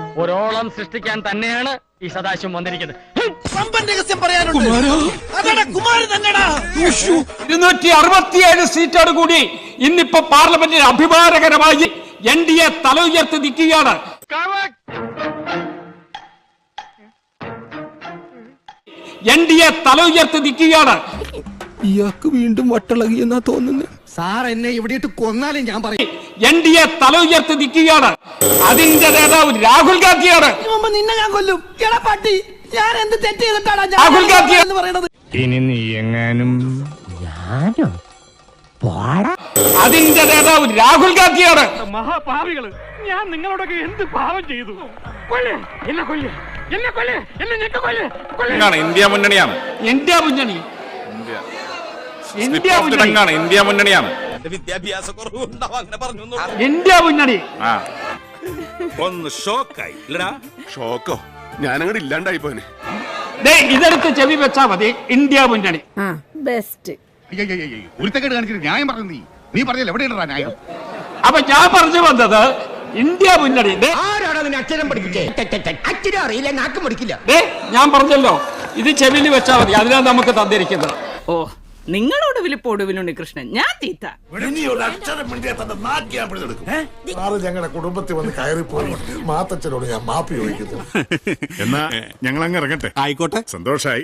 ഒരോളം സൃഷ്ടിക്കാൻ തന്നെയാണ് ഈ സദാശിവം വന്നിരിക്കുന്നത്. 267 സീറ്റോട് കൂടി ഇന്നിപ്പോ പാർലമെന്റിൽ അഭിമാനകരമായി NDA തല ഉയർത്തി നിൽക്കുകയാണ്. NDA തല ഉയർത്തി നിൽക്കുകയാണ്. ഇയാൾക്ക് വീണ്ടും വട്ടളകിയെന്നാ തോന്നുന്നത്. സാർ എന്നെ ഇവിടെ ഇട്ട് കൊന്നാലും ഞാൻ പറയും. NDA തല ഉയർത്തി നിൽക്കുകയാണ്. അതിന്റെ നേതാവ് രാഹുൽ ഗാന്ധിയാണ്. നിന്നെ ഞാൻ കൊല്ലും. പട്ടി, ഞാൻ എന്ത് തെറ്റ് ചെയ്തിട്ടാണ് രാഹുൽ ഗാന്ധി എന്ന് പറയുന്നത്? ഇനി നീ എങ്ങാനും അതിന്റെ നേതാവ് രാഹുൽ ഗാന്ധിയാണ്. മഹാപാപികള്, ഞാൻ നിങ്ങളോടൊക്കെ എന്ത് പാപം ചെയ്തു? ഇന്ത്യ മുന്നണിയാണ്. ഇന്ത്യ മുന്നണി ഇന്ത്യ മുന്നണിയാണ്. വിദ്യാഭ്യാസ കുറവുണ്ടാവും അങ്ങനെ പറഞ്ഞു. ഇന്ത്യ മുന്നണി ഒന്ന് ഷോക്കായി ഷോക്കോ ഞാനങ്ങോട്ട് ഇല്ലാണ്ടായി പോനെ. ഇതെടുത്ത് ചെവി വെച്ചാ മതി. ഇന്ത്യ മുന്നണി ബെസ്റ്റ്. ഒരുത്തക്കേട് കാണിച്ചിട്ട് ന്യായം പറഞ്ഞു. നീ പറഞ്ഞല്ലോ എവിടെയാണ് ന്യായം? അപ്പൊ ഞാൻ പറഞ്ഞു വന്നത് ഇന്ത്യ മുന്നണി. അക്ഷരം പഠിപ്പിച്ചേ. അക്ഷരം അറിയില്ല, നാക്കും പഠിക്കില്ല. ഞാൻ പറഞ്ഞല്ലോ, ഇത് ചെവിയിൽ വെച്ചാ മതി. അതിനാണ് നമുക്ക് തന്നിരിക്കുന്നത്. ഓ, നിങ്ങളോട് വിളിപ്പോടുവിലുണ്ണി കൃഷ്ണൻ, ഞാൻ തീറ്റ. ഞങ്ങളുടെ കുടുംബത്തിൽ വന്ന് കയറിപ്പോയി മാത്തച്ഛനോട് ഞാൻ മാപ്പി ചോദിക്കുന്നു. എന്നാ ഞങ്ങൾ അങ്ങ് ഇറങ്ങട്ടെ. ആയിക്കോട്ടെ, സന്തോഷായി.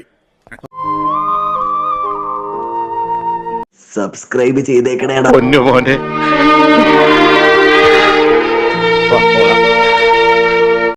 സബ്സ്ക്രൈബ് ചെയ്തേക്കണേടാ പൊന്നു മോനെ.